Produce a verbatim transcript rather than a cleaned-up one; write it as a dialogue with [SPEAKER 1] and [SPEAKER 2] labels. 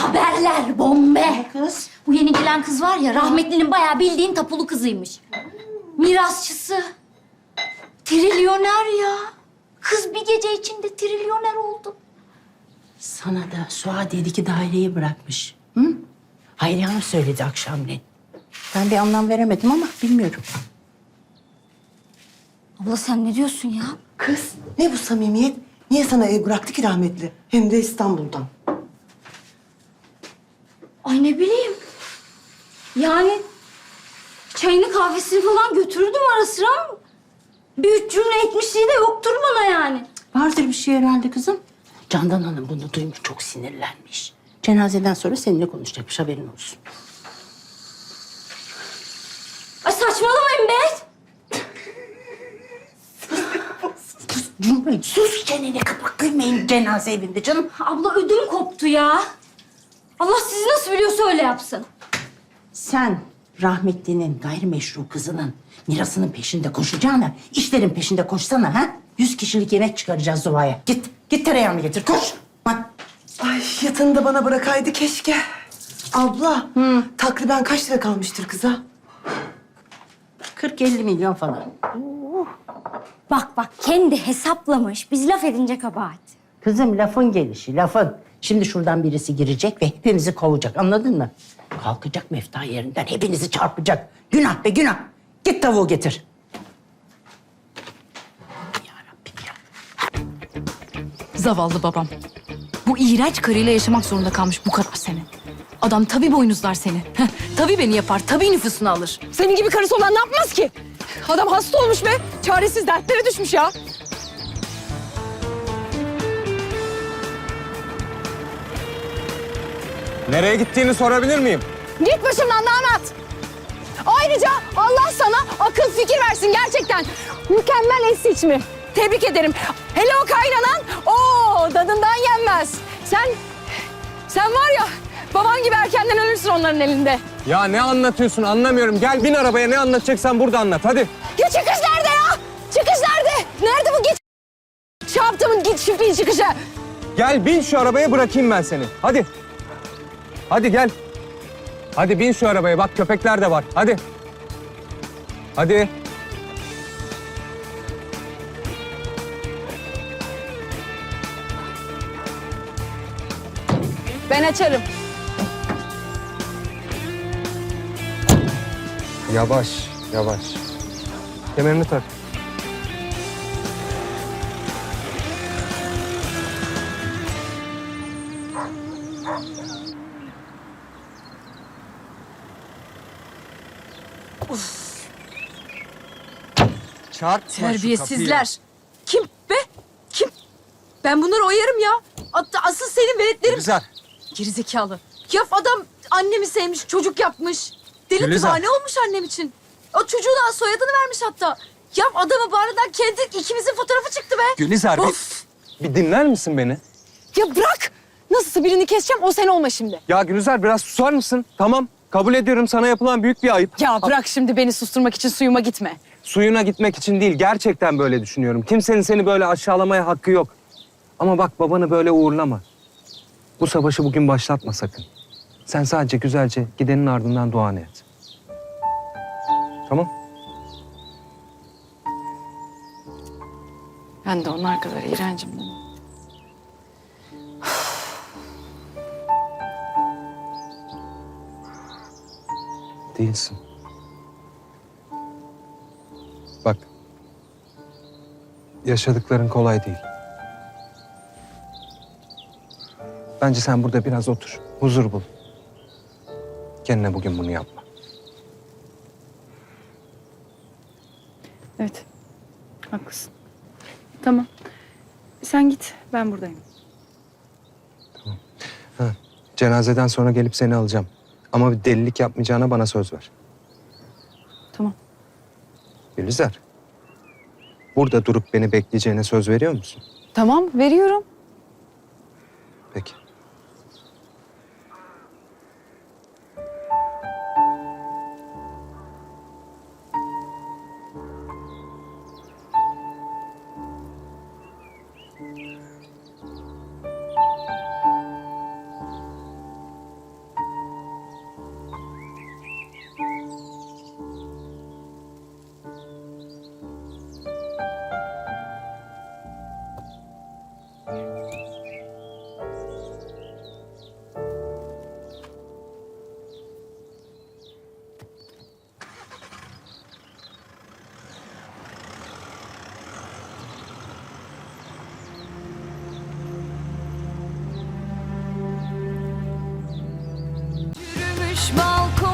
[SPEAKER 1] Haberler bombe.
[SPEAKER 2] Kız.
[SPEAKER 1] Bu yeni gelen kız var ya, rahmetlinin bayağı bildiğin tapulu kızıymış. Mirasçısı. Trilyoner ya. Kız bir gece içinde trilyoner oldu.
[SPEAKER 2] Sana da Suadiye'deki daireyi bırakmış. Hı? Hayriye Hanım söyledi akşamleyin. Ben bir anlam veremedim ama bilmiyorum.
[SPEAKER 1] Abla sen ne diyorsun ya?
[SPEAKER 3] Kız ne bu samimiyet? Niye sana ev bıraktı ki rahmetli? Hem de İstanbul'dan.
[SPEAKER 1] Ay ne bileyim. Yani çayını kahvesini falan götürürdüm ara sıra. Bir üç cümle etmişliği de yoktur bana yani.
[SPEAKER 2] Vardır bir şey herhalde kızım. Candan Hanım bunu duymuş, çok sinirlenmiş. Cenazeden sonra seninle konuşacakmış, haberin olsun.
[SPEAKER 1] Ay saçmalamayın be.
[SPEAKER 2] Cumhuriyet, sus çeneni kapat, kıymayın cenaze evinde canım.
[SPEAKER 1] Abla ödüm koptu ya. Allah sizi nasıl biliyorsa öyle yapsın.
[SPEAKER 2] Sen rahmetlinin gayrimeşru kızının mirasının peşinde koşacağına işlerin peşinde koşsana ha? Yüz kişilik yemek çıkaracağız Zuva'ya. Git, git tereyağını getir, koş. Ha.
[SPEAKER 3] Ay yatını da bana bırakaydı keşke. Abla, takriben kaç lira kalmıştır kıza?
[SPEAKER 2] kırk elli milyon falan.
[SPEAKER 1] Bak bak kendi hesaplamış. Biz laf edince kabahat.
[SPEAKER 2] Kızım lafın gelişi, lafın. Şimdi şuradan birisi girecek ve hepimizi kovacak, anladın mı? Kalkacak mefta yerinden, hepinizi çarpacak. Günah be günah. Git tavuğu getir. Ya Rabbim ya.
[SPEAKER 4] Zavallı babam. Bu iğrenç karıyla yaşamak zorunda kalmış bu kadar sene. Adam tabii boynuzlar seni. Heh, tabii beni yapar, tabii nüfusunu alır.
[SPEAKER 5] Senin gibi karısı olan ne yapmaz ki? Adam hasta olmuş be. Çaresiz dertlere düşmüş ya.
[SPEAKER 6] Nereye gittiğini sorabilir miyim?
[SPEAKER 5] Git başımdan damat. Ayrıca Allah sana akıl fikir versin gerçekten. Mükemmel eş seçimi. Tebrik ederim. Hele o kaynanan, o dadından yenmez. Sen, sen var ya baban gibi erkenden ölürsün onların elinde.
[SPEAKER 6] Ya ne anlatıyorsun anlamıyorum. Gel bin arabaya, ne anlatacaksan burada anlat hadi.
[SPEAKER 5] Ya çıkış nerede ya? Çıkış nerede? Nerede bu git? Şey yaptığımın git çiftliğin çıkışı.
[SPEAKER 6] Gel bin şu arabaya, bırakayım ben seni. Hadi. Hadi gel. Hadi bin şu arabaya, bak köpekler de var. Hadi. Hadi.
[SPEAKER 5] Ben açarım.
[SPEAKER 6] Yavaş, yavaş. Kemerini tak. Çarpma şu kapıyı.
[SPEAKER 5] Terbiyesizler. Kim be? Kim? Ben bunları oyarım ya. Hatta asıl senin veletlerin...
[SPEAKER 6] Gülizar.
[SPEAKER 5] Gerizekalı. Ya adam annemi sevmiş, çocuk yapmış. Deli
[SPEAKER 6] Gülizar.
[SPEAKER 5] divane olmuş annem için. O çocuğuna soyadını vermiş hatta. Ya adamı bağrından kendi ikimizin fotoğrafı çıktı be.
[SPEAKER 6] Gülizar
[SPEAKER 5] Of.
[SPEAKER 6] bir, bir dinler misin beni?
[SPEAKER 5] Ya bırak. Nasılsa birini keseceğim, o sen olma şimdi.
[SPEAKER 6] Ya Gülizar biraz susar mısın? Tamam, kabul ediyorum, sana yapılan büyük bir ayıp.
[SPEAKER 5] Ya bırak şimdi beni susturmak için suyuma gitme.
[SPEAKER 6] Suyuna gitmek için değil, gerçekten böyle düşünüyorum. Kimsenin seni böyle aşağılamaya hakkı yok. Ama bak, babanı böyle uğurlama. Bu savaşı bugün başlatma sakın. Sen sadece güzelce gidenin ardından duanı et. Tamam?
[SPEAKER 5] Ben de onlar kadar iğrencim değil mi?
[SPEAKER 6] Değilsin. Bak, yaşadıkların kolay değil. Bence sen burada biraz otur, huzur bul. Kendine bugün bunu yapma.
[SPEAKER 5] Evet. Haklısın. Tamam. Sen git. Ben buradayım.
[SPEAKER 6] Ha, cenazeden sonra gelip seni alacağım. Ama bir delilik yapmayacağına bana söz ver.
[SPEAKER 5] Tamam.
[SPEAKER 6] Gülizar, burada durup beni bekleyeceğine söz veriyor musun?
[SPEAKER 5] Tamam. Veriyorum.
[SPEAKER 6] Peki.
[SPEAKER 4] Yürümüş balkon